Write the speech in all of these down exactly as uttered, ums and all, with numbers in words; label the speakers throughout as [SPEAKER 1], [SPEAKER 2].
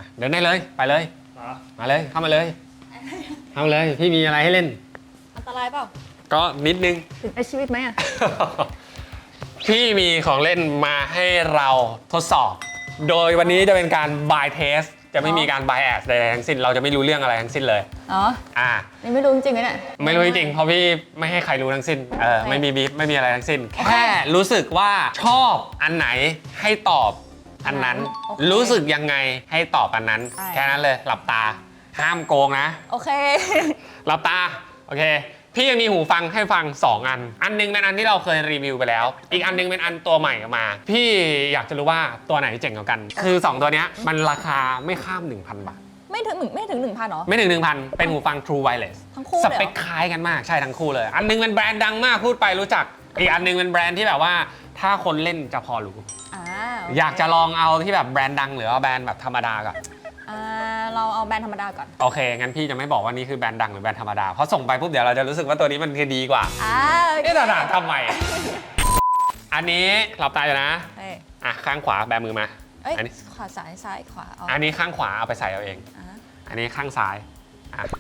[SPEAKER 1] เดินได้เลยไปเลยมาเลยเข้ามาเลยเข้ามาเลยพี่มีอะไรให้เล่น
[SPEAKER 2] อันตรายเปล่า
[SPEAKER 1] ก็นิดนึง
[SPEAKER 2] ถึงในชีวิตไหมอ่ะ
[SPEAKER 1] พี่มีของเล่นมาให้เราทดสอบ โดยวันนี้จะเป็นการ buy test จะไม่มีการ bias ใดๆทั้งสิ้นเราจะไม่รู้เรื่องอะไรทั้งสิ้นเลย
[SPEAKER 2] อ๋อ
[SPEAKER 1] อ่า
[SPEAKER 2] นี่ไม่รู้จริงๆเนี่ย
[SPEAKER 1] ไม่รู้จริงๆเพราะพี่ไม่ให้ใครรู้ทั้งสิ้นเออไม่มีบีฟไม่มีอะไรทั้งสิ้นแค่รู้สึกว่าชอบอันไหนให้ตอบอันนั้นรู้สึกยังไงให้ตอบอันนั้นแค่นั้นเลยหลับตาห้ามโกงนะ
[SPEAKER 2] โอเค
[SPEAKER 1] หลับตาโอเคพี่ยังมีหูฟังให้ฟังสองอันอันนึงเป็นอันที่เราเคยรีวิวไปแล้วอีกอันนึงเป็นอันตัวใหม่ออกมาพี่อยากจะรู้ว่าตัวไหนเจ๋งกว่ากันคือสองตัวนี้มันราคาไม่ข้าม หนึ่งพัน บาท
[SPEAKER 2] ไม่ถึงไม่ถึง หนึ่งพัน หรอ
[SPEAKER 1] ไม่ถึง หนึ่งพัน เป็นหูฟัง True Wireless
[SPEAKER 2] ทั้งคู่
[SPEAKER 1] สเปคคล้ายกันมากใช่ทั้งคู่เลยอันนึงเป็นแบรนด์ดังมากพูดไปรู้จักอีกอันนึงเป็นแบรนด์ที่แบบว่าถ้าคนเล่นจะพอรู้อยากจะลองเอาที่แบบแบรนด์ดังหรือว่าแบรนด์แบบธรรมดาก่อน
[SPEAKER 2] เราเอาแบรนด์ธรรมดาก่อน
[SPEAKER 1] โอเคงั้นพี่จะไม่บอกว่านี่คือแบรนด์ดังหรือแบรนด์ธรรมดาเพราะส่งไปปุ๊บเดี๋ยวเราจะรู้สึกว่าตัวนี้มันคือดีกว่า
[SPEAKER 2] อ่า
[SPEAKER 1] เอ๊ะแต่ทำไมอันนี้หลับตาอยู่นะอ่ะข้างขวาแบมือมา
[SPEAKER 2] อันนี้ขวาซ้ายซ้ายขวา
[SPEAKER 1] อันนี้ข้างขวาเอาไปใส่เอาเองอันนี้ข้างซ้ายอ่ะ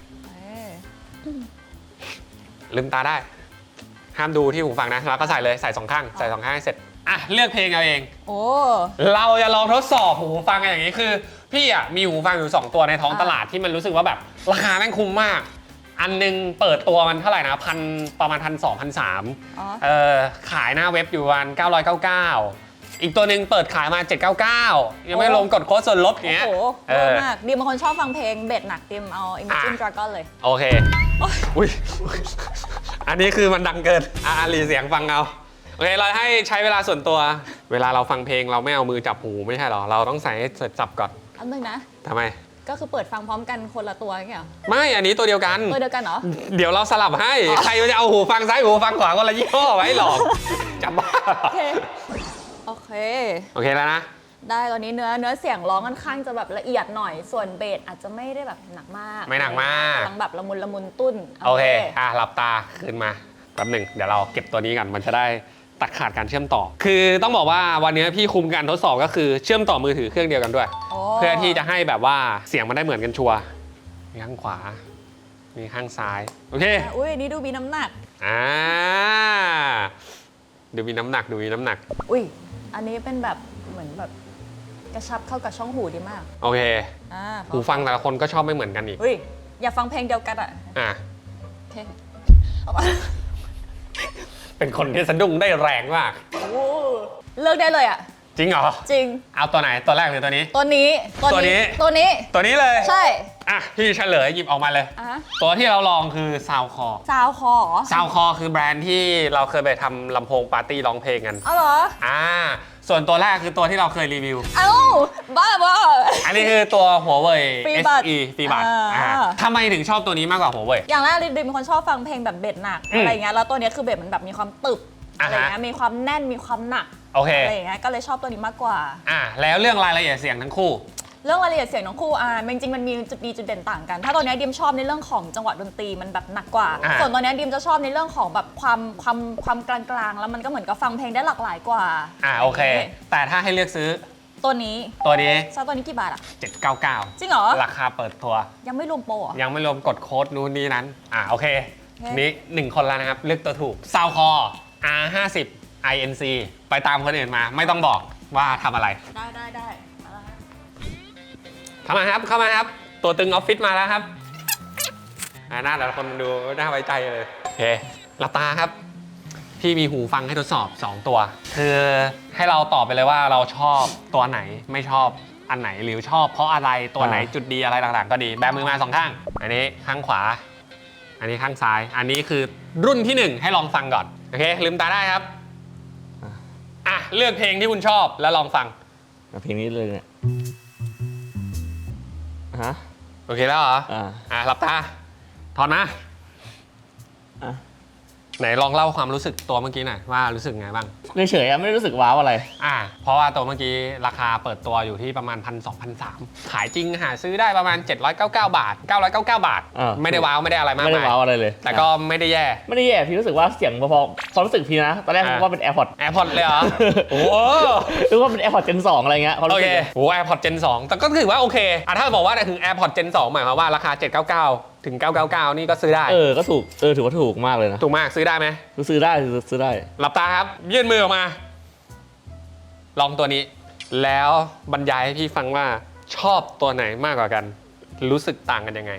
[SPEAKER 1] ลืมตาได้ห้ามดูที่หูฟังนะแล้วก็ใส่เลยใส่สองข้างใส่สองข้างให้เสร็จอ่ะเลือกเพลงเอาเอง
[SPEAKER 2] โอ้
[SPEAKER 1] เราจะลองทดสอบหูฟังกันอย่างนี้คือพี่อ่ะมีหูฟังอยู่สองตัวในท้องตลาดที่มันรู้สึกว่าแบบราคาแม่งคุ้มมากอันนึงเปิดตัวมันเท่าไหร่นะพันประมาณพันสองพันสามเออขายหน้าเว็บอยู่วันเก้าร้อยเก้าสิบเก้าอีกตัวหนึ่งเปิดขายมาเจ็ดร้อยเก้าสิบเก้ายังไม่ลงกดโค้ดส่วนลดเงี้ย
[SPEAKER 2] โอ้โหเยอะมากดิมบางคนชอบฟังเพลงเบสหนักดิมเอา Imagine Dragon เลย
[SPEAKER 1] โอเคอุ้ยอันนี้คือมันดังเกินอ่ะรีเสียงฟังเอาโอเคเราให้ใช้เวลาส่วนตัวเวลาเราฟังเพลงเราไม่เอามือจับหูไม่ใช่หรอเราต้องใส่ให้เสร็จจับก่อน
[SPEAKER 2] อันนึงนะ
[SPEAKER 1] ทำไม
[SPEAKER 2] ก็คือเปิดฟังพร้อมกันคนละตัวอย่างเงี้ย
[SPEAKER 1] ไม่อันนี้ตัวเดียวกัน
[SPEAKER 2] ตัวเดียวกันเหรอ
[SPEAKER 1] เดี๋ยวเราสลับให้ใครจะเอาหูฟังซ้ายหูฟังขวาคนละยี่ห้อไว้หรอกจับบ้า
[SPEAKER 2] โอเคโอเค
[SPEAKER 1] โอเคแล้วนะ
[SPEAKER 2] ได้ตอนนี้เนื้อเนื้อเสียงร้องค่อนข้างจะแบบละเอียดหน่อยส่วนเบสอาจจะไม่ได้แบบหนักมาก
[SPEAKER 1] ไม่หนักมาก
[SPEAKER 2] ทั้งแบบละมุนละมุนตุ้น
[SPEAKER 1] โอเคอ่ะหลับตาขึ้นมาแป๊บหนึ่งเดี๋ยวเราเก็บตัวนี้กันมันจะได้ตัดขาดการเชื่อมต่อคือต้องบอกว่าวันนี้พี่คุมการทดสอบก็คือเชื่อมต่อมือถือเครื่องเดียวกันด้วยเพื่อที่จะให้แบบว่าเสียงมันได้เหมือนกันชัวร์มีข้างขวามีข้างซ้ายโอเค
[SPEAKER 2] อุ้ยนี่ดูมีน้ำหนัก
[SPEAKER 1] อ่าดูมีน้ำหนักดูมีน้ำหนัก
[SPEAKER 2] อุ้ยอันนี้เป็นแบบเหมือนแบบกระชับเข้ากับช่องหูดีมาก
[SPEAKER 1] โอเคหูฟังแต่ละคนก็ชอบไม่เหมือนกันอีก
[SPEAKER 2] อุ้ยอย่าฟังเพลงเดียวกันอ่ะ
[SPEAKER 1] อ่ะ
[SPEAKER 2] โอเค
[SPEAKER 1] เป็นคนที่สะดุ้งได้แรงมาก
[SPEAKER 2] เลือกได้เลยอ่ะ
[SPEAKER 1] จริงเหรอ
[SPEAKER 2] จริง
[SPEAKER 1] เอาตัวไหนตัวแรกหรือตัวนี้
[SPEAKER 2] ตัวนี้
[SPEAKER 1] ตัวนี้
[SPEAKER 2] ตัวนี้
[SPEAKER 1] ตัวนี้เลย
[SPEAKER 2] ใช่
[SPEAKER 1] อ่ะพี่เฉลยหยิบออกมาเลยตัวที่เราลองคือซาวคอ
[SPEAKER 2] ซาวคอ
[SPEAKER 1] ซาวคอคือแบรนด์ที่เราเคยไปทำลำโพงปาร์ตี้ร้องเพลงกัน
[SPEAKER 2] อ๋อเหรอ
[SPEAKER 1] อ่าส่วนตัวแรกคือตัวที่เราเคยรีวิว
[SPEAKER 2] เอ้าบ้าบ้า
[SPEAKER 1] อันนี้คือตัวหัวเว่ย เอส อี ฟรีบัตทำไมถึงชอบตัวนี้มากกว่าหัวเว่ย
[SPEAKER 2] อย่างแรกดิมเป็นคนชอบฟังเพลงแบบเบสหนักอะไรเงี้ยแล้วตัวนี้คือเบสมันแบบมีความตึบอะไรเงี้ยมีความแน่นมีความหนักอะไรเงี้ยก็เลยชอบตัวนี้มากกว่า
[SPEAKER 1] อ่าแล้วเรื่องรายละเอียดเสียงทั้งคู่
[SPEAKER 2] เรื่องรายละเอียดเสียงทั้งคู่อ่าจริงๆมันมีจุดดีจุดเด่นต่างกันถ้าตัวนี้ดิมชอบในเรื่องของจังหวะดนตรีมันแบบหนักกว่าส่วนตัวนี้ดิมจะชอบในเรื่องของแบบความความความกลางๆแล้วมันก็เหมือนกับฟังเพลงได้หลากหลายกว่า
[SPEAKER 1] อ่าโอเคแต่ถ้าให้เลือกซื้อ
[SPEAKER 2] ตัวนี้
[SPEAKER 1] ตัวนี้
[SPEAKER 2] ซาตัวนี้กี่บาทอ่ะ
[SPEAKER 1] เจ็ดร้อยเก้าสิบเก้า
[SPEAKER 2] จริงเหรอ
[SPEAKER 1] ราคาเปิดตัว
[SPEAKER 2] ยังไม่รวมโปรอ่ะ
[SPEAKER 1] ยังไม่รวมกดโค้ดนู้นนี้นั้นอ่าโอเคนี้หนึ่งคนแล้วนะครับเลือกตัวถูกซาวคอ อาร์ ห้าสิบ ไอ เอ็น ซี ไปตามคนอื่นมาไม่ต้องบอกว่าทำอะไร
[SPEAKER 2] ได้ได้ได้
[SPEAKER 1] เข้ามาครับเข้ามาครับตัวตึงออฟฟิศมาแล้วครับหน้าแต่ละคนดูน่าไว้ใจเลยโอเคหลับตาครับพี่มีหูฟังให้ทดสอบสองตัวคือให้เราตอบไปเลยว่าเราชอบตัวไหนไม่ชอบอันไหนหรือชอบเพราะอะไรตัวไหนจุดดีอะไรต่างๆก็ดีแบมือมาสองข้างอันนี้ข้างขวาอันนี้ข้างซ้ายอันนี้คือรุ่นที่หนึ่งให้ลองฟังก่อนโอเคลืมตาได้ครับอ่ะเลือกเพลงที่คุณชอบแล้วลองฟัง
[SPEAKER 3] เพลงนี้เลยเนี่ยฮะ
[SPEAKER 1] โอเคแล้วเหรออ่าอ่ะหลับตาถอนนะไหนลองเล่าความรู้สึกตัวเมื่อกี้หน่อยว่ารู้สึกไงบ้าง
[SPEAKER 3] เฉยๆอะไม่ได้รู้สึกว้าวอะไร
[SPEAKER 1] อ่าเพราะว่าตัวเมื่อกี้ราคาเปิดตัวอยู่ที่ประมาณ พันสองพันสาม ขายจริงหาซื้อได้ประมาณ เจ็ดร้อยเก้าสิบเก้า บาท เก้าร้อยเก้าสิบเก้า บาท
[SPEAKER 3] อ่า
[SPEAKER 1] ไม่ได้ว้าวไม่ได้อะไรมาก
[SPEAKER 3] ไม่ได้
[SPEAKER 1] มาย
[SPEAKER 3] ว้าวอะไรเลย
[SPEAKER 1] แต่ก็ไม่ได้แย่
[SPEAKER 3] ไม่ได้แย่พี่รู้สึกว่าเสียงพอๆความรู้สึกพี่นะตอนแรก
[SPEAKER 1] อ่า
[SPEAKER 3] ผมว่าเป็น AirPods
[SPEAKER 1] AirPods เลยเหรอ โอ้โห
[SPEAKER 3] รู้ว่าเป็น AirPods Gen สองอะไรเงี้ยความ
[SPEAKER 1] โอ
[SPEAKER 3] รู้
[SPEAKER 1] เค
[SPEAKER 3] สึกเลย
[SPEAKER 1] โอ้ AirPods Gen สอง แต่ก็ถือว่าโอเคอ่ะถ้าบอกว่าถึง AirPods Gen สองหมายความว่าราคา เจ็ดร้อยเก้าสิบเก้า ถึง เก้าร้อยเก้าสิบเก้า นี่ก็ซื้อได้
[SPEAKER 3] เออก็ถูกเออถือว่าถูกมากเลยนะ
[SPEAKER 1] ถูกมากซื้อได้ไหม
[SPEAKER 3] ซื้อได้ซื้อได้
[SPEAKER 1] หลับตาครับ ยื่นมือออกมา ลองตัวนี้ แล้วบรรยายให้พี่ฟังว่าชอบตัวไหนมากกว่ากัน รู้สึกต่างกันยังไง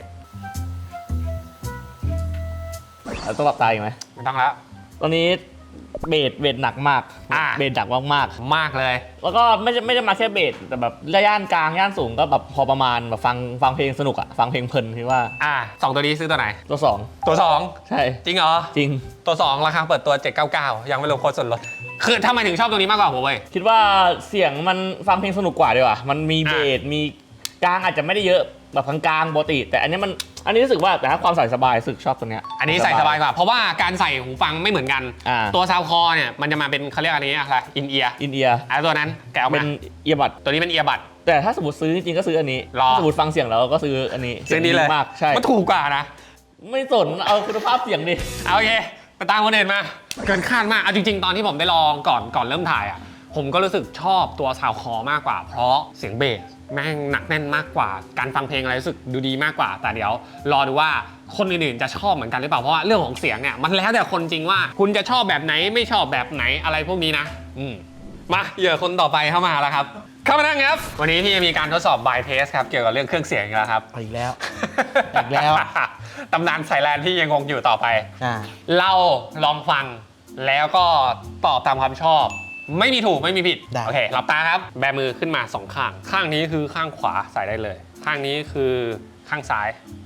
[SPEAKER 3] ต้องหลับตาอีกไหม
[SPEAKER 1] ไม่ต้องแล้ว
[SPEAKER 3] ตอนนี้เบสเบสหนักมาก
[SPEAKER 1] อ่า
[SPEAKER 3] เบสหนักมาก
[SPEAKER 1] มากเลย
[SPEAKER 3] ๆแล้วก็ไม่ใช่ไม่ได้มาแค่เบสแต่แบบย่านกลางย่านสูงก็แบบพอประมาณแบบฟังฟังเพลงสนุกอะฟังเพลงเพลินคิดว่า
[SPEAKER 1] อ่าสองตัวนี้ซื้อตัวไหน
[SPEAKER 3] ตัวสอง
[SPEAKER 1] ตัวสอง
[SPEAKER 3] ใช่
[SPEAKER 1] จริงเหรอ
[SPEAKER 3] จริง
[SPEAKER 1] ตัวสองราคาเปิดตัว เจ็ดร้อยเก้าสิบเก้า ยังไม่รวมโค้ดส่วนลด คือทำไมถึงชอบตัวนี้มากกว่าผมเว้ย
[SPEAKER 3] คิดว่าเสียงมันฟังเพลงสนุกกว่าดีกว่ามันมีเบสมีกลางอาจจะไม่ได้เยอะแบบกลางๆปกติแต่อันนี้มันอันนี้รู้สึกว่าแต่ถ้าความใส่สบายรู้สึกชอบตัวเนี้ย
[SPEAKER 1] อันนี้ใส่สบายกว่า เพราะว่าการใส่หูฟังไม่เหมือนกัน
[SPEAKER 3] อ่า
[SPEAKER 1] ตัวซาวคอเนี่ยมันจะมาเป็นเขาเรียกอะไรนี้อะไรอินเอียร์
[SPEAKER 3] อินเอียร์
[SPEAKER 1] ไอ้ตัวนั้นแกเอา
[SPEAKER 3] เป็
[SPEAKER 1] มาน
[SPEAKER 3] เอียบัด
[SPEAKER 1] ตัวนี้เป็นเอียบัด
[SPEAKER 3] แต่ถ้าสมมติซื้อจริงๆก็ซื้ออันนี้
[SPEAKER 1] หรอ
[SPEAKER 3] ถ้าสมมติฟังเสียงแล้วก็ซื้ออันนี้
[SPEAKER 1] ซื้อนี้เลย
[SPEAKER 3] มากใช่
[SPEAKER 1] มันถูกกว่านะ
[SPEAKER 3] ไม่สนเอาคุณภาพเสียงดิ
[SPEAKER 1] เอาโอเคไปตามคนอื่นมา เกินคาดมาก เอาจริง ๆ ตอนที่ผมได้ลองก่อนก่อนเริ่มถ่ายอ่ะ ผมก็รู้สึกชอบตัวซาวคอมากกว่า เพราะเสียงเบสแม่งหนักแน่นมากกว่า การฟังเพลงอะไรรู้สึกดูดีมากกว่า แต่เดี๋ยวรอดูว่าคนอื่นๆจะชอบเหมือนกันหรือเปล่า เพราะว่าเรื่องของเสียงเนี่ยมันแล้วแต่คนจริงว่า คุณจะชอบแบบไหนไม่ชอบแบบไหนอะไรพวกนี้นะ อืมมาเหยื่อคนต่อไปเข้ามาแล้วครับ เข้ามานั่งครับ วันนี้พี่จะมีการทดสอบบายเทสครับเกี่ยวกับเรื่องเครื่องเสียงอีกแล้วครับ
[SPEAKER 4] อีกแล้ว อีกแล้ว
[SPEAKER 1] ตำนานสายแลนที่ยังคงอยู่ต่อไป
[SPEAKER 4] อ่า
[SPEAKER 1] เราลองฟังแล้วก็ตอบตามความชอบ ไม่มีถูกไม่มีผิด
[SPEAKER 4] ได้
[SPEAKER 1] โอเคหลับตาครับ แบมือขึ้นมาสองข้าง ข้างนี้คือข้างขวาใส่ได้เลย ข้างนี้คือข้างซ้าย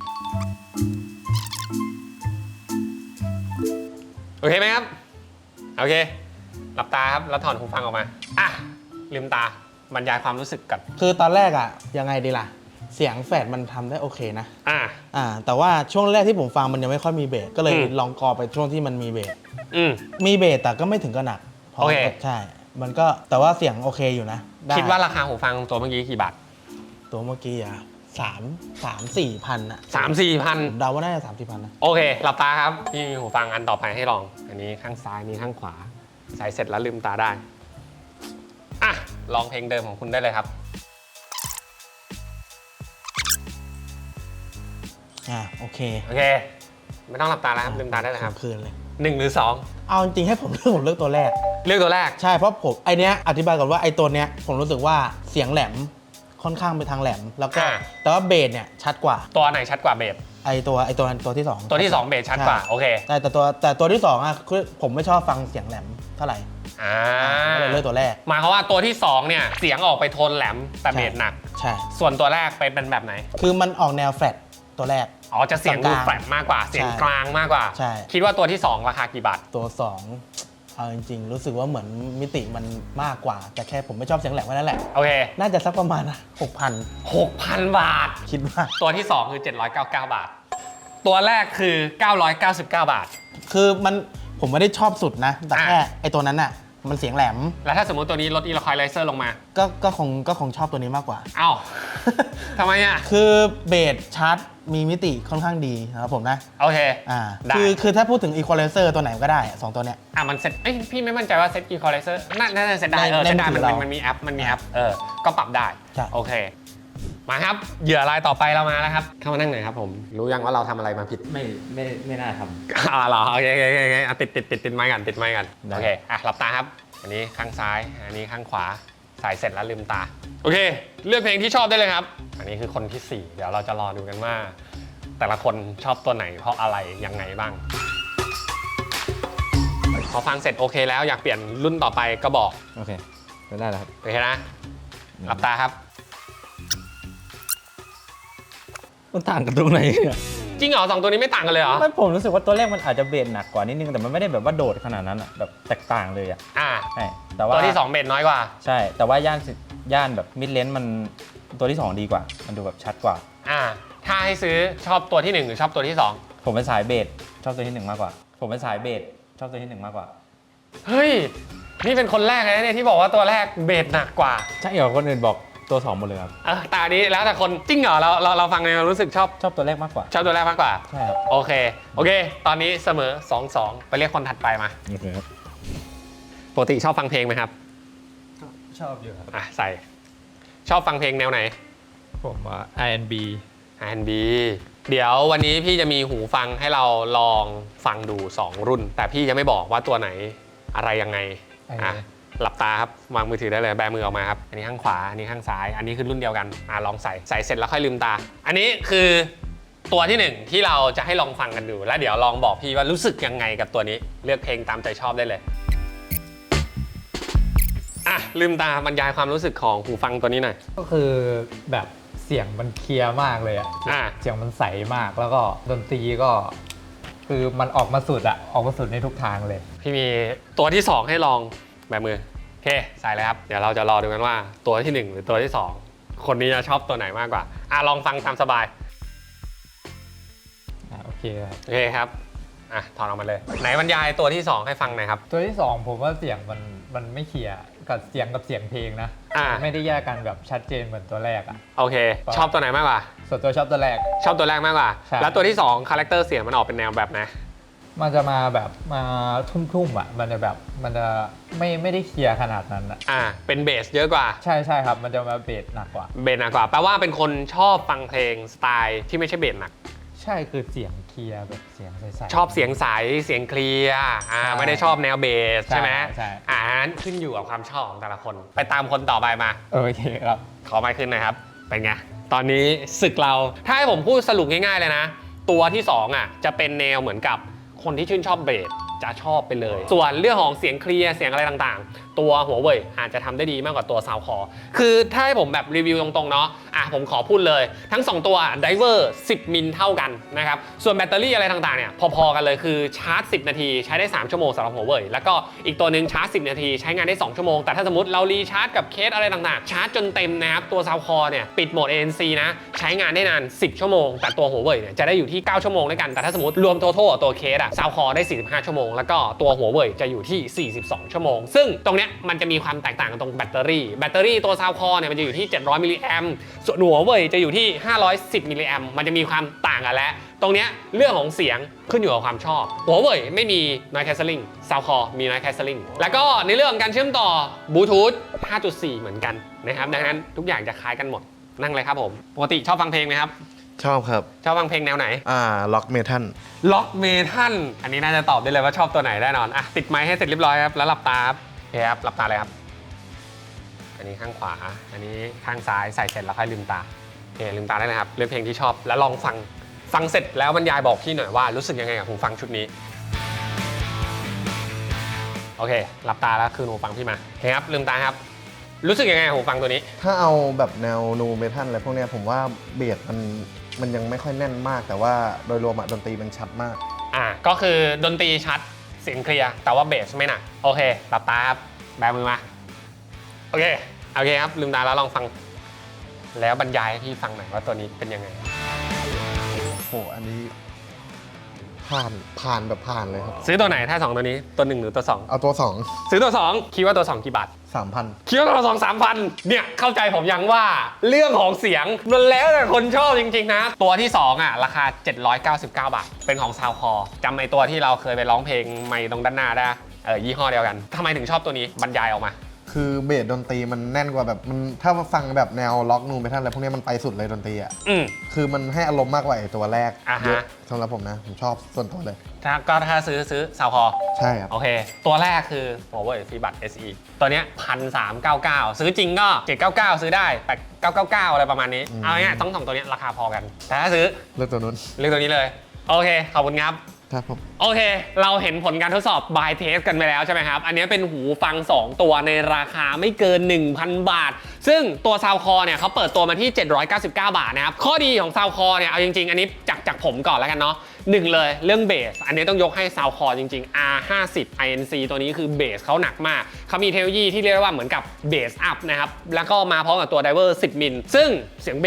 [SPEAKER 1] โอเคไหมครับ โอเค หลับตาครับแล้วถอนหูฟังออกมา อ่ะ ลืมตาบรรยายความรู้สึกกัน
[SPEAKER 4] คือตอนแรกอะยังไงดีล่ะ เสียงแฟดมันทำได้โอเคนะ
[SPEAKER 1] อ่ะ
[SPEAKER 4] อ่า แต่ว่าช่วงแรกที่ผมฟังมันยังไม่ค่อยมีเบส ก็เลย
[SPEAKER 1] อืม
[SPEAKER 4] ลองกอไปช่วงที่มันมีเบส
[SPEAKER 1] อืม
[SPEAKER 4] มีเบสแต่ก็ไม่ถึงกับหนักพราะ
[SPEAKER 1] โอเค
[SPEAKER 4] ใช่ มันก็แต่ว่าเสียงโอเคอยู่นะไ
[SPEAKER 1] คิดว่าราคาหูฟังตัวเมื่อกี้กี่บาท
[SPEAKER 4] ตัวเมื่อกี้อะสามสามสี่พันอะ
[SPEAKER 1] สามสี่พัน
[SPEAKER 4] ผมเดาว่าน่าจะสามสี่พันนะ
[SPEAKER 1] โอเค หลับตาครับพี่มีหูฟังอันต่อไปให้ลอง อันนี้ข้างซ้ายนี้ข้างขวา ใส่เสร็จแล้วลืมตาได้ อ่ะ ลองเพลงเดิมของคุณได้เลยครับ
[SPEAKER 4] อ่าโอเค
[SPEAKER 1] โอเค ไม่ต้องหลับตาแล้วครับ ลืมตาได้เลยครับ
[SPEAKER 4] คืนเลย
[SPEAKER 1] หนึ่งหรือสอง
[SPEAKER 4] เอาจริงๆให้ผมเลือกผมเลือกตัวแรก
[SPEAKER 1] เลือกตัวแรก
[SPEAKER 4] ใช่เพราะผมไอเนี้ยอธิบายก่อนว่าไอตัวเนี้ยผมรู้สึกว่าเสียงแหลมค่อนข้างไปทางแหลม แล้วก็
[SPEAKER 1] อ่า
[SPEAKER 4] แต่ว่าเบสเนี่ยชัดกว่า
[SPEAKER 1] ตัวไหนชัดกว่าเบส
[SPEAKER 4] ไอตัวไอตัวตัวที่สอง
[SPEAKER 1] ตัวที่สองเบสชัดกว่า
[SPEAKER 4] ใช่
[SPEAKER 1] โอเค
[SPEAKER 4] ใช่แต่ตัวแต่ตัวที่สองอ่ะคือผมไม่ชอบฟังเสียงแหลมเท่าไหร่
[SPEAKER 1] อ่า
[SPEAKER 4] ก็เลยเลือกตัวแรก
[SPEAKER 1] หมายความว่าตัวที่สองเนี่ย เสียงออกไปโทนแหลมแต่เบสหนัก
[SPEAKER 4] ใช่
[SPEAKER 1] ส่วนตัวแรกไปเป็นแบบไหน
[SPEAKER 4] คือมันออกแนวแฟลตตัวแรก
[SPEAKER 1] อ๋อ จะเสียงดู
[SPEAKER 4] กลางๆ
[SPEAKER 1] แฟลตมากกว่า เสียง
[SPEAKER 4] ใช่
[SPEAKER 1] กลางมากกว่า
[SPEAKER 4] ใช่
[SPEAKER 1] คิดว่าตัวที่สองราคากี่บาท
[SPEAKER 4] ตัวสองเอาจริงๆ รู้สึกว่าเหมือนมิติมันมากกว่า แต่แค่ผมไม่ชอบเสียงแหลมแค่นั้นแหละ
[SPEAKER 1] โอเค
[SPEAKER 4] น่าจะสักประมาณหกพัน
[SPEAKER 1] หกพัน บาท
[SPEAKER 4] คิดว่า
[SPEAKER 1] ตัวที่สองคือเจ็ดร้อยเก้าสิบเก้า บาท ตัวแรกคือเก้าร้อยเก้าสิบเก้า บาท
[SPEAKER 4] คือมันผมไม่ได้ชอบสุดนะ แต่
[SPEAKER 1] อ่ะ
[SPEAKER 4] แค่ไอตัวนั้นอ่ะมันเสียงแหลม
[SPEAKER 1] แล้วถ้าสมมติตัวนี้ลดอีลคอยไลเซอร์ลงมา
[SPEAKER 4] ก็ก็คงก็คงชอบตัวนี้มากกว่า
[SPEAKER 1] เอ้า ทำไมอ่ะ
[SPEAKER 4] คือเบสชาร์จมีมิติค่อนข้างดีนะครับผมนะ
[SPEAKER 1] โอเค
[SPEAKER 4] อ่า
[SPEAKER 1] ได้
[SPEAKER 4] คือคือถ้าพูดถึง equalizer ตัวไหนก็ได้สองตัวเนี้ย
[SPEAKER 1] อ่ะมันเซ็ตเอ้ยพี่ไม่มั่นใจว่าเซ็ตอีลคอยไลเซอร์น่าจะเซ็ตได้
[SPEAKER 4] ใน
[SPEAKER 1] เออ
[SPEAKER 4] ใน
[SPEAKER 1] เซ็ตได้
[SPEAKER 4] มื
[SPEAKER 1] มั
[SPEAKER 4] อน ถือ
[SPEAKER 1] มัน
[SPEAKER 4] เรามั
[SPEAKER 1] มันมีแอปมันมีแอปเออก็ปรับได้
[SPEAKER 4] ใช่
[SPEAKER 1] โอเค มาครับเหยื่อรายต่อไปเรามาแล้วครับ เข้ามานั่งหน่อยครับผม รู้ยังว่าเราทำอะไรมาผิด
[SPEAKER 3] ไม่ไม่ไม่น่าท
[SPEAKER 1] อ่าเหรอโอเคโอเคโอเคโอเคอ่ะติดติดติดติดไม้กันติดไม้กัน
[SPEAKER 3] ได้
[SPEAKER 1] โอเคอ่ะหลับตาครับ อันนี้ข้างซ้าย อันนี้ข้างขวาใส่เสร็จแล้วลืมตา โอเค เลือกเพลงที่ชอบได้เลยครับ อันนี้คือคนที่สี่เดี๋ยวเราจะรอดูกันว่า แต่ละคนชอบตัวไหนเพราะอะไรยังไงบ้างพอฟังเสร็จโอเคแล้วอยากเปลี่ยนรุ่นต่อไปก็บอก
[SPEAKER 3] ำโอเคได้แล้วครับ
[SPEAKER 1] โอเคนะหลับตาครับ
[SPEAKER 3] มันต่างกันตรงไหนเนี่ย
[SPEAKER 1] จริงเหรอสองตัวนี้ไม่ต่างกันเลยเหรอ
[SPEAKER 5] ไม่ผมรู้สึกว่าตัวแรกมันอาจจะเบสหนักกว่านิดนึงแต่มันไม่ได้แบบว่าโดดขนาดนั้นอะแบบแตกต่างเลยอะ
[SPEAKER 1] อ่า
[SPEAKER 5] ใช่แต่ว่า
[SPEAKER 1] ตัวที่สองเบสน้อยกว่า
[SPEAKER 5] ใช่ แต่ว่าย่านสิย่านแบบมิดเลนมันตัวที่สองดีกว่า มันดูแบบชัดกว่า
[SPEAKER 1] อ่าถ้าให้ซื้อชอบตัวที่หนึ่งหรือชอบตัวที่สอง
[SPEAKER 5] ผมเป็นสายเบสชอบตัวที่หนึ่งมากกว่า ผมเป็นสายเบสชอบตัวที่หนึ่งมากกว่า
[SPEAKER 1] เฮ้ย นี่เป็นคนแรกเลยนะเนี่ยที่บอกว่าตัวแรกเบสหนักกว่า
[SPEAKER 5] ใช่เหรอคนอื่นบอกตัวสองหมดเลยครับ
[SPEAKER 1] เออแต่อันนี้แล้วแต่คนจริงเหรอเราเราเราฟังในรู้สึกชอบ
[SPEAKER 5] ชอบตัวแรกมากกว่า
[SPEAKER 1] ชอบตัวแรกมากกว่า
[SPEAKER 5] ใช่ครับ
[SPEAKER 1] โอเค โอเค ตอนนี้เสมอ สองสอง ไปเรียกคนถัดไปมา
[SPEAKER 5] โอเคครับ
[SPEAKER 1] ปกติชอบฟังเพลงไหมครับ
[SPEAKER 5] ชอบอยู่ครับ
[SPEAKER 1] อ่ะใส่ ชอบฟังเพลงแนวไหน
[SPEAKER 5] ผมว่า อาร์ แอนด์ บี
[SPEAKER 1] อาร์ แอนด์ บี เดี๋ยววันนี้พี่จะมีหูฟังให้เราลองฟังดู สอง รุ่น แต่พี่จะไม่บอกว่าตัวไหนอะไรยังไง อ่ะ หลับตาครับ วางมือถือได้เลย แบมือออกมาครับ อันนี้ข้างขวา อันนี้ข้างซ้าย อันนี้คือรุ่นเดียวกัน อ่ะลองใส่ ใส่เสร็จแล้วค่อยลืมตา อันนี้คือตัวที่หนึ่งที่เราจะให้ลองฟังกันดู แล้วเดี๋ยวลองบอกพี่ว่ารู้สึกยังไงกับตัวนี้ เลือกเพลงตามใจชอบได้เลย อ่ะลืมตาบรรยายความรู้สึกของหูฟังตัวนี้หน่อย
[SPEAKER 6] ก็คือแบบเสียงมันเคลียร์มากเลยอะ
[SPEAKER 1] อ่า
[SPEAKER 6] เสียงมันใสมากแล้วก็ดนตรีก็ คือมันออกมาสุดอะออกมาสุดในทุกทางเลย
[SPEAKER 1] พี่มีตัวที่สองให้ลองแบบมือโอเคใส่เลยครับเดี๋ยวเราจะรอดูกันว่าตัวที่หนึ่งหรือตัวที่สองคนนี้จะชอบตัวไหนมากกว่าอ่ะลองฟังตามสบาย
[SPEAKER 6] อ่าโอเคครับ
[SPEAKER 1] โอเคครับอ่ะถอดออกมาเลยไหนบรรยายตัวที่สองให้ฟังหน่อยครับ
[SPEAKER 6] ตัวที่สองผมว่าเสียงมันมันไม่เคลียร์กับเสียงกับเสียงเพลงนะ
[SPEAKER 1] อ่า
[SPEAKER 6] ไม่ได้แยกกันแบบชัดเจนเหมือนตัวแรกอะ
[SPEAKER 1] โอเค ชอบตัวไหนมากกว่า
[SPEAKER 6] ส่วนตัวชอบตัวแรก
[SPEAKER 1] ชอบตัวแรกมากกว่า
[SPEAKER 6] ใช่
[SPEAKER 1] แล้วตัวที่สองคาแรคเตอร์เสียงมันออกเป็นแนวแบบไหน
[SPEAKER 6] มันจะมาแบบมาทุ่มๆอะมันจะแบบมันจะไม่ไม่ได้เคลียร์ขนาดนั้นอะ
[SPEAKER 1] อ่ะเป็นเบสเยอะกว่า
[SPEAKER 6] ใช่ใช่ครับมันจะมาเบสหนักกว่า
[SPEAKER 1] เบสหนักกว่าแปลว่าเป็นคนชอบฟังเพลงสไตล์ที่ไม่ใช่เบสหนัก
[SPEAKER 6] ใช่คือเสียงเคลียร์แบบเสียงใสๆ
[SPEAKER 1] ชอบเสียงใสเสียงเคลียร์อ่า
[SPEAKER 6] ใช่
[SPEAKER 1] ไม่ได้ชอบแนวเบสใช่ไหม
[SPEAKER 6] ใช่
[SPEAKER 1] อ่านั้นขึ้นอยู่กับความชอบของแต่ละคน ไปตามคนต่อไปมา
[SPEAKER 6] โอเคครับ
[SPEAKER 1] ขอไมค์ขึ้นหนะครับ เป็นไง ตอนนี้ศึกเรา ถ้าให้ผมพูดสรุปง่ายๆเลยนะ ตัวที่สองอ่ะจะเป็นแนวเหมือนกับคนที่ชื่นชอบเบสจะชอบไปเลย ส่วนเรื่องของเสียงเคลียร์เสียงอะไรต่างๆ ตัวหัวเว่ยอาจจะทำได้ดีมากกว่าตัวซาวคอคือถ้าให้ผมแบบรีวิวตรงๆเนาะอ่ะผมขอพูดเลย ทั้งสองตัวไดเวอร์สิบมิลเท่ากันนะครับส่วนแบตเตอรี่อะไรต่างๆเนี่ยพอๆกันเลยคือชาร์จสิบนาทีใช้ได้สามชั่วโมงสำหรับหัวเว่ยแล้วก็อีกตัวหนึ่งชาร์จสิบนาทีใช้งานได้สองชั่วโมงแต่ถ้าสมมติเรารีชาร์จกับเคสอะไรต่างๆชาร์จจนเต็มนะครับตัวซาวคอเนี่ยปิดโหมด เอ เอ็น ซี นะใช้งานได้นานสิบชั่วโมงแต่ตัวหัวเว่ยเนี่ยจะได้อยู่ที่เก้าชั่วโมงด้วยกันแต่ถ้าสมมติรวมทั้งตัวเคสอะซาวคอได้สี่สิบห้าชั่วโมงแล้วก็ตัวหัวเว่ยจะอยู่ที่สี่สิบสองชั่วโมงซึ่งตรงเนี้ยมันจะมีความแตกต่างกันตรงแบตเตอรี่แบตเตอรี่ตัวซาวคอเนี่ยมันจะอยู่ที่เจ็ดร้อยมิลลิแอมป์ส่วนหัวเว่ยจะอยู่ที่ห้าร้อยสิบมิลลิแอมป์มันจะมีความต่างกันแล้วตรงเนี้ยเรื่องของเสียงขึ้นอยู่กับความชอบหัวเว่ยไม่มี noise cancelling ซาวคอมี noise cancelling แล้วก็ในเรื่องของการเชื่อมต่อบลูทูธ ห้าจุดสี่ เหมือนกันนะครับดังนั้นทุกอย่างจะคล้ายกันหมดนั่งเลยครับผมปกติชอบฟังเพลงไหมครับ
[SPEAKER 7] ชอบครับ
[SPEAKER 1] ชอบฟังเพลงแนวไหน
[SPEAKER 7] อ่า ล็อกเมทัล
[SPEAKER 1] ล็อกเมทัลอันนี้น่าจะตอบได้เลยว่าชอบตัวไหนแน่นอนอ่ะติดไมค์ให้เสร็จเรียบร้อยครับแล้วหลับตาครับโอเคครับหลับตาเลยครับอันนี้ข้างขวาอันนี้ข้างซ้ายใส่เสร็จแล้วค่อยลืมตาโอเคลืมตาได้เลยครับเลือกเพลงที่ชอบแล้วลองฟังฟังเสร็จแล้วบรรยายบอกพี่หน่อยว่ารู้สึกยังไงกับหูฟังชุดนี้โอเคหลับตาแล้วคืนหูฟังพี่มาโอเคครับลืมตาครับรู้สึกยังไงกับหูฟังตัวนี้
[SPEAKER 7] ถ้าเอาแบบแนวนูเมทัลอะไรพวกเนี้ยผมว่าเบสมันมันยังไม่ค่อยแน่นมาก แต่ว่าโดยรวมอะดนตรีมันชัดมาก
[SPEAKER 1] อ่าก็คือดนตรีชัดเสียงเคลียร์แต่ว่าเบสไม่หนักโอเคหลับตาครับแบมือมาโอเคโอเคครับลืมตาแล้วลองฟังแล้วบรรยายให้พี่ฟังหน่อยว่าตัวนี้เป็นยังไง
[SPEAKER 7] โห อันนี้ผ่านผ่านแบบผ่านเลยครับ
[SPEAKER 1] ซื้อตัวไหนถ้าสองตัวนี้ตัวหนึ่งหรือตัวสอง
[SPEAKER 7] เอาตัวสอง
[SPEAKER 1] ซื้อตัวสองคิดว่าตัวสองกี่บาท
[SPEAKER 7] สามพัน
[SPEAKER 1] คิดว่าตัวสองสามพันเนี่ยเข้าใจผมยังว่าเรื่องของเสียงมันแล้วแต่คนชอบจริงๆนะตัวที่สองอ่ะราคาเจ็ดร้อยเก้าสิบเก้าบาทเป็นของซาวคอจำไอตัวที่เราเคยไปร้องเพลงไม่ตรงด้านหน้าได้เออยี่ห้อเดียวกันทำไมถึงชอบตัวนี้บรรยายออกมา
[SPEAKER 7] คือเบสดนตรีมันแน่นกว่าแบบมันถ้ามาฟังแบบแนวล็อกนูเมทัลอะไรพวกเนี้ยมันไปสุดเลยดนตรีอ่ะ
[SPEAKER 1] อืม
[SPEAKER 7] คือมันให้อารมณ์มากกว่าไอ้ตัวแรก
[SPEAKER 1] อ่าฮะ
[SPEAKER 7] เยอะสำหรับผมนะ ผมชอบส่วนตัวเลย
[SPEAKER 1] ถ้าก็ถ้าซื้อซื้อซาวคอ
[SPEAKER 7] ใช่ครับ
[SPEAKER 1] โอเค ตัวแรกคือ Huawei FreeBuds เอส อี ตัวเนี้ยพันสามเก้าเก้าซื้อจริงก็เจ็ดเก้าเก้าซื้อได้แปดเก้าเก้าเก้าอะไรประมาณนี้
[SPEAKER 7] อืม
[SPEAKER 1] เอาง่ายๆต้องสองตัวเนี้ยราคาพอกัน แต่ถ้าซื้อ
[SPEAKER 7] เลือกตัวนู้น
[SPEAKER 1] เลือกตัวนี้เลย โอเค ขอบคุณครับ
[SPEAKER 7] ครับผม
[SPEAKER 1] โอเค เราเห็นผลการทดสอบ by test กันไปแล้วใช่ไหมครับ อันนี้เป็นหูฟัง สอง ตัวในราคาไม่เกิน หนึ่งพัน บาท ซึ่งตัวซาวคอเนี่ยเขาเปิดตัวมาที่ เจ็ดร้อยเก้าสิบเก้า บาทนะครับ ข้อดีของซาวคอเนี่ย เอาจริงๆ อันนี้จากจากผมก่อนแล้วกันเนาะหนึ่งเลยเรื่องเบส อันนี้ต้องยกให้ซาวคอจริงๆ อาร์ ห้าสิบ ไอ เอ็น ซี ตัวนี้คือเบสเขาหนักมาก เขามีเทคโนโลยีที่เรียกว่าเหมือนกับเบสอัพนะครับ แล้วก็มาพร้อมกับตัวไดเวอร์สิบมิล ซึ่งเสียงเบสโค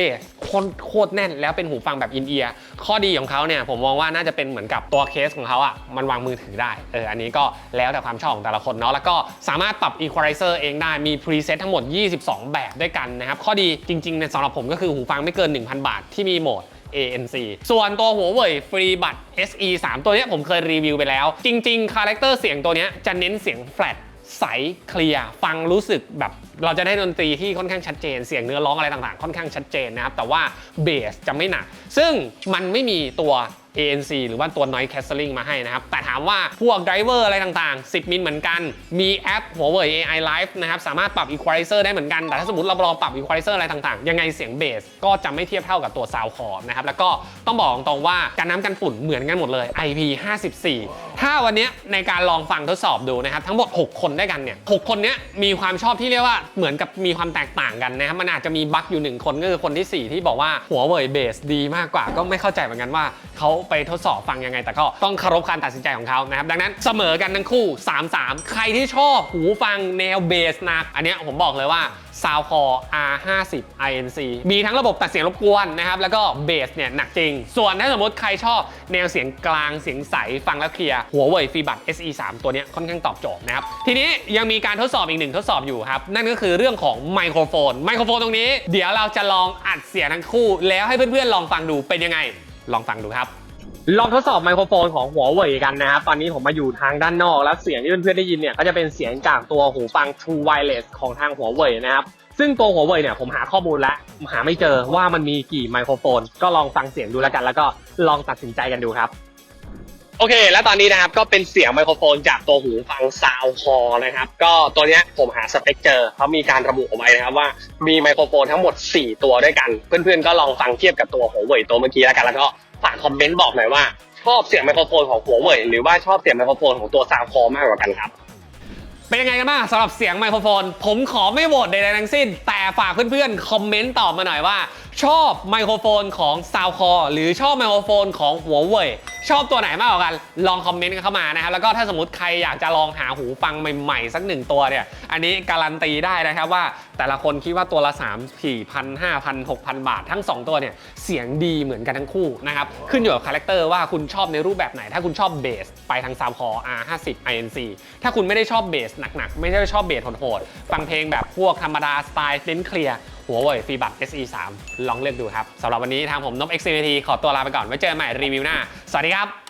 [SPEAKER 1] โคตรโคตรแน่นแล้วเป็นหูฟังแบบอินเอียร์ข้อดีของเขาเนี่ยผมมองว่าน่าจะเป็นเหมือนกับตัวเคสของเขาอ่ะมันวางมือถือได้เอออันนี้ก็แล้วแต่ความชอบของแต่ละคนเนาะแล้วก็สามารถปรับ Equalizer เองได้มี preset ทั้งหมดยี่สิบสองแบบด้วยกันนะครับข้อดีจริงๆเนี่ยสำหรับผมก็คือหูฟังไม่เกิน หนึ่งพัน บาทที่มีโหมด เอ เอ็น ซี ส่วนตัวหัวเว่ยฟรีบัต เอส อี สาม ตัวนี้ผมเคยรีวิวไปแล้วจริงๆคาแรคเตอร์เสียงตัวนี้จะเน้นเสียงแฟลตใสเคลียร์ฟังรู้สึกแบบเราจะได้ดนตรีที่ค่อนข้างชัดเจนเสียงเนื้อร้องอะไรต่างๆค่อนข้างชัดเจนนะครับแต่ว่าเบสจะไม่หนักซึ่งมันไม่มีตัว เอ เอ็น ซี หรือว่าตัว Noise Cancelling มาให้นะครับแต่ถามว่าพวกไดรเวอร์อะไรต่างๆสิบมิลเหมือนกันมีแอปหัวเว่ย เอ ไอ Live นะครับสามารถปรับ Equalizer ได้เหมือนกันแต่ถ้าสมมติเราลองปรับ Equalizer อะไรต่างๆยังไงเสียงเบสก็จะไม่เทียบเท่ากับตัว Soundcore นะครับแล้วก็ต้องบอกตรงๆว่าการน้ำกันฝุ่นเหมือนกันหมดเลย ไอ พี ห้าสิบสี่ ถ้าวันนี้ในการลองฟังทดสอบดูนะครับทั้งหมดหกคนด้วยกันเนี่ยหกคนนี้มีความชอบที่เรียกว่าเหมือนกับมีความแตกต่างกันนะครับมันอาจจะมีบั๊กอยู่หนึ่งคนก็คือคนที่สี่ที่บอกว่าหัวเว่ยเบสดีมากกว่าก็ไม่เข้าใจเหมือนกันว่าเขาไปทดสอบฟังยังไงแต่ก็ต้องเคารพการตัดสินใจของเขานะครับดังนั้นเสมอกันทั้งคู่ สามสาม ใครที่ชอบหูฟังแนวเบสหนักอันเนี้ยผมบอกเลยว่า Soundcore อาร์ ห้าสิบ ไอ เอ็น ซี มีทั้งระบบตัดเสียงรบกวนนะครับแล้วก็เบสเนี่ยหนักจริงส่วนถ้าสมมติใครชอบแนวเสียงกลางเสียงใสฟังแล้วเคลียร์หัวเว่ยฟรีบัต เอส อี สาม ตัวเนี้ยค่อนข้างตอบโจทย์นะครับทีนี้ยังมีการทดสอบอีกหนึ่งทดสอบอยู่ครับนั่นก็คือเรื่องของไมโครโฟนไมโครโฟนตรงนี้เดี๋ยวเราจะลองอัดเสียงทั้งคู่แล้วให้เพื่อนๆลองฟังดูเป็นยังไงลองฟังดูครับลองทดสอบไมโครโฟนของหัวเว่ยกันนะครับตอนนี้ผมมาอยู่ทางด้านนอกแล้วเสียงที่เพื่อนๆได้ยินเนี่ยก็จะเป็นเสียงจากตัวหูฟัง True Wireless ของทางหัวเว่ยนะครับซึ่งตัวหัวเว่ยเนี่ยผมหาข้อมูลแล้วหาไม่เจอว่ามันมีกี่ไมโครโฟนก็ลองฟังเสียงดูแล้วกันแล้วก็ลองตัดสินใจกันดูครับโอเคแล้วตอนนี้นะครับก็เป็นเสียงไมโครโฟนจากตัวหูฟัง Soundcore นะครับก็ตัวเนี้ยผมหาสเปคเจอเขามีการระบุเอาไว้นะครับว่ามีไมโครโฟนทั้งหมดสี่ตัวด้วยกันเพื่อนๆก็ลองฟังเทียบกับตัวหัวเว่ยตัวเมื่อกี้แล้วกันแล้วก็ฝากคอมเมนต์บอกหน่อยว่าชอบเสียงไมโครโฟนของหัวเว่ยหรือว่าชอบเสียงไมโครโฟนของตัว Soundcore มากกว่ากันครับเป็นยังไงกันบ้างสำหรับเสียงไมโครโฟนผมขอไม่โหวตใดๆทั้งสิ้นแต่ฝากเพื่อนๆคอมเมนต์ตอบมาหน่อยว่าชอบไมโครโฟนของ Soundcore หรือชอบไมโครโฟนของหัวเว่ยชอบตัวไหนมากกว่ากันลองคอมเมนต์กันเข้ามานะครับแล้วก็ถ้าสมมติใครอยากจะลองหาหูฟังใหม่ๆสักหนึ่งตัวเนี่ยอันนี้การันตีได้นะครับว่าแต่ละคนคิดว่าตัวละสาม สี่พัน ห้าพัน หกพัน บาททั้งสองตัวเนี่ยเสียงดีเหมือนกันทั้งคู่นะครับขึ้นอยู่กับคาแรคเตอร์ว่าคุณชอบในรูปแบบไหนถ้าคุณชอบเบสไปทาง Soundcore อาร์ ห้าสิบ ไอ เอ็น ซี ถ้าคุณไม่ได้ชอบเบสหนักๆไม่ได้ชอบเบสโหดๆฟังเพลงแบบพวกธรรมดาสไตล์เน้นเคลียร์หัวเว่ยฟรีบัต เอส อี สาม ลองเลือกดูครับสำหรับวันนี้ทางผมนพ เอ็กซ์ ซี ที ขอตัวลาไปก่อนไว้เจอกันใหม่รีวิวหน้าสวัสดีครับ